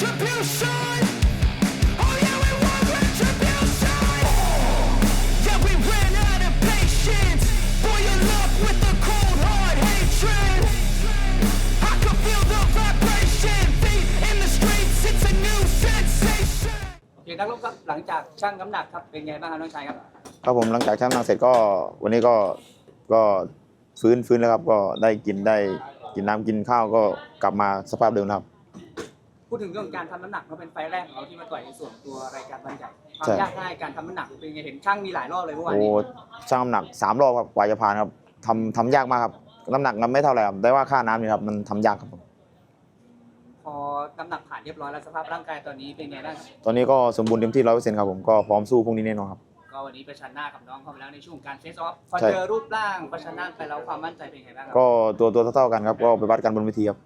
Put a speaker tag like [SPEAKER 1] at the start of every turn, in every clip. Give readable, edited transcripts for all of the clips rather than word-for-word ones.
[SPEAKER 1] retribution. Oh yeah, we want retribution. Yeah, we ran out of patience. Boil up with the cold hard hatred. I can feel the vibration. Feet in the streets, it's a new sensation.
[SPEAKER 2] โอเคนักรบครับหลังจากชั่งน้ำหนักครับเป็นไงบ้างครับน้องชายครับ
[SPEAKER 3] ครับผมหลังจากชั่งน้ำหนักเสร็จก็วันนี้ก็ฟื้นแล้วครับก็ได้กินน้ำกินข้าวก็กลับมาสภาพเดิมครับ
[SPEAKER 2] พูดถึงเรื่องการทำน้ำหนักมันเป็นไฟล์แรกของเราที่มาต่อยในส่วนตัวรายการวันใหญ่ความ
[SPEAKER 3] ใช่
[SPEAKER 2] ยากง่ายการทำน้ำหนักเป็นไงเห็นช่างมีหลายรอบเลยเมื่อวาน
[SPEAKER 3] โอ้
[SPEAKER 2] นี้
[SPEAKER 3] ชั่งน้ำหนัก3 รอบครับกว่าจะผ่านครับทำยากมากครับน้ำหนักมันไม่เท่าไหร่ครับแต่ว่าค่าน้ำนี่ครับมันทำยากครับผม
[SPEAKER 2] พอน้ำหนักผ่านเรียบร้อยแล้วสภาพร่างกายตอนนี้เป็นไงบ้าง
[SPEAKER 3] ตอนนี้ก็สมบูรณ์เต็มที่100%ครับผมก็พร้อมสู้พรุ่งนี้แน่นอนครับ
[SPEAKER 2] ก็วันนี้ประชันหน้ากับน้องเข้าไปแล้วในช่วงการเฟซออฟพอ
[SPEAKER 3] ใช่
[SPEAKER 2] เจอรูปร่างประชันหน้าไปแล้วความมั่นใจเป็นไงบ้างครับ
[SPEAKER 3] ก็ตัวเท่ากันครับก็ไปวัดกันบนเวทีครับ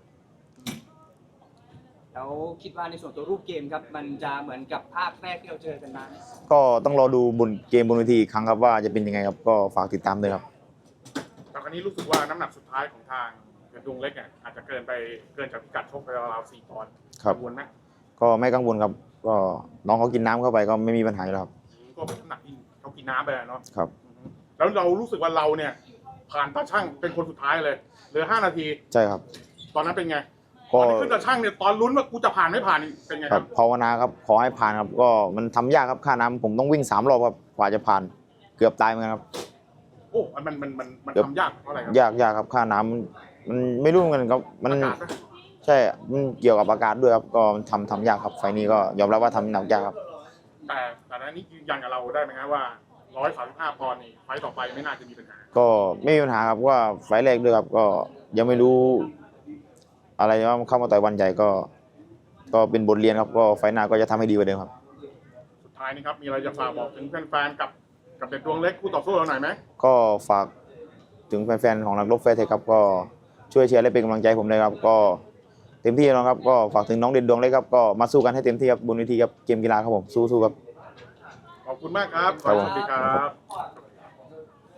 [SPEAKER 2] แล้วคิดว่าในส่วนตัวรูปเกมครับมันจะเหมือนกับภาคแรกที่เราเจอกันมาไหม
[SPEAKER 3] ก็ต้องรอดูบนเกมบนเวทีอีกครั้งครับว่าจะเป็นยังไงครับก็ฝากติดตามด้วยครับ
[SPEAKER 4] แต่ครั้นี้รู้สึกว่าน้ำหนักสุดท้ายของทางเพชรดวงเล็กเนี่ยอาจจะเกินจากพิกัดชกไปราวๆ4 ปอนด์
[SPEAKER 3] ครับ
[SPEAKER 4] กังวลไหม
[SPEAKER 3] ก็ไม่กังวลครับก็น้องเขากินน้ำเข้าไปก็ไม่มีปัญหาอยู่แล้วครับ
[SPEAKER 4] ก็เป็นน้ำหนักที่เขากินน้ำไปแล้วเนาะ
[SPEAKER 3] ครับ
[SPEAKER 4] แล้วเรารู้สึกว่าเราเนี่ยผ่านตาช่างเป็นคนสุดท้ายเลยเหลือ5 นาที
[SPEAKER 3] ใช่ครับ
[SPEAKER 4] ตอนนั้นเป็นไงต
[SPEAKER 3] ก็
[SPEAKER 4] อนที่ขึ้นตาช่างเนี่ยตอนลุ้นว่ากูจะผ่านไม่ผ่านนี่เป็นไง
[SPEAKER 3] ค
[SPEAKER 4] ค
[SPEAKER 3] รั
[SPEAKER 4] รั
[SPEAKER 3] บบ ภาวนาครับขอให้ผ่านครับก็มันทำยากครับค่าน้ำผมต้องวิ่ง3 รอบครับกว่าจะผ่านเกือบตายเหมือนกันครับ
[SPEAKER 4] โอ้มันทำยากเพราะอะไรครับ
[SPEAKER 3] ยากครับค่าน้ำมันไม่รู้เหมือนกันครับมัน
[SPEAKER 4] อากาศนะ
[SPEAKER 3] ใช่มันเกี่ยวกับอากาศด้วยครับก็มันทำยากครับไฟล์นี้ก็ยอมรับว่าทำหนักยากครับ
[SPEAKER 4] แต่นั้นนี่ยืนยันกับเราได้ไหมครับว่า135 ปอนด์นี่ไฟต์ต่อไปไม่น่าจะมีปัญหา
[SPEAKER 3] ก็ไม่มีปัญหาครับว่าไฟล์แรกด้วยครับก็ยังไม่รู้อะไรว่าเข้ามาต่อยวันใหญ่ก็เป็นบทเรียนครับก็ไฟล์หน้าก็จะทำให้ดีกว่าเดิมครับ
[SPEAKER 4] สุดท้ายนี่ครับมีอะไรจะฝากบอกถึงแฟนๆกับเด็ดดวงเล็กคู่ต่อสู้เราหน่อยไหม
[SPEAKER 3] ก็ฝากถึงแฟนๆของนักรบแฟร์เทคครับก็ช่วยเชียร์และเป็นกำลังใจให้ผมเลยครับก็เต็มที่แล้วครับก็ฝากถึงน้องเด่นดวงเล็กครับก็มาสู้กันให้เต็มที่ครับบนเวทีครับเกมกีฬาครับผมสู้ๆครับ
[SPEAKER 4] ขอบคุณมากครับ
[SPEAKER 3] ครับผม
[SPEAKER 4] สวัสดีครับ